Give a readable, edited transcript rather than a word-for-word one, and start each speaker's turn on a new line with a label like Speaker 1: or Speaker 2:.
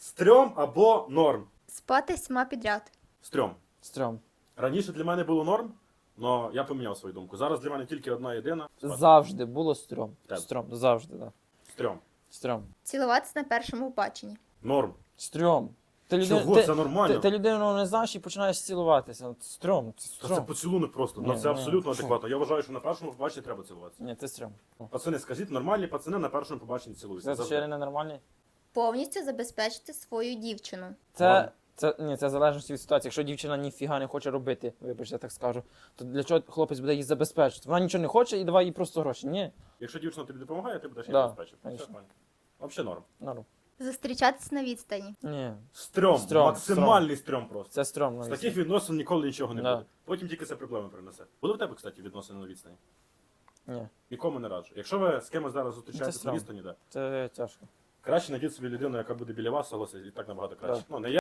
Speaker 1: Стрьом або норм?
Speaker 2: Спати сьма підряд.
Speaker 1: Стрьом.
Speaker 3: Стрьом.
Speaker 1: Раніше для мене було норм, але я поміняв свою думку. Зараз для мене тільки одна єдина. Спати.
Speaker 3: Завжди було стрьом.
Speaker 1: Так.
Speaker 3: Стрьом. Завжди, так. Да.
Speaker 1: Стрьом.
Speaker 3: Стрьом.
Speaker 2: Цілуватися на першому побаченні.
Speaker 1: Норм.
Speaker 3: Стрьом. Ти
Speaker 1: Чого? Це нормально.
Speaker 3: Ти людину не знаєш і починаєш цілуватися. От Стрьом. Це
Speaker 1: Та це
Speaker 3: стрьом.
Speaker 1: поцілунок просто. Ну
Speaker 3: Ні,
Speaker 1: це
Speaker 3: ні,
Speaker 1: абсолютно
Speaker 3: що?
Speaker 1: адекватно. Я вважаю, що на першому побаченні треба цілуватися.
Speaker 3: Ні, це стрьом.
Speaker 1: Пацани, скажіть, нормальні пацани на першому побаченні цілуються.
Speaker 3: Це
Speaker 1: Завжди.
Speaker 3: ще ненормальний?
Speaker 2: Повністю забезпечити свою дівчину.
Speaker 3: Це в залежності від ситуації. Якщо дівчина ніфіга не хоче робити, вибачте, я так скажу, то для чого хлопець буде її забезпечити? Вона нічого не хоче і давай їй просто гроші. Ні.
Speaker 1: Якщо дівчина тобі допомагає, ти будеш її
Speaker 3: Да,
Speaker 1: забезпечити. Все
Speaker 3: конечно.
Speaker 1: нормально. Взагалі норм.
Speaker 3: Норм.
Speaker 2: Зустрічатися на відстані.
Speaker 3: Ні.
Speaker 1: Стрьом.
Speaker 3: Стрьом,
Speaker 1: Максимальний стрьом просто.
Speaker 3: Це стрьом.
Speaker 1: З таких відносин ніколи нічого не
Speaker 3: Да.
Speaker 1: буде. Потім тільки це проблеми принесе. Були в тебе, кстати, відносини на відстані?
Speaker 3: Ні.
Speaker 1: Нікому не раджу. Якщо ви з кимось зараз зустрічаєтесь на
Speaker 3: стрьом.
Speaker 1: відстані, да.
Speaker 3: Це тяжко.
Speaker 1: Краще знайдіть собі людину, яка буде біля вас, согласись, і так набагато краще.
Speaker 3: Да.
Speaker 1: Ну, не я.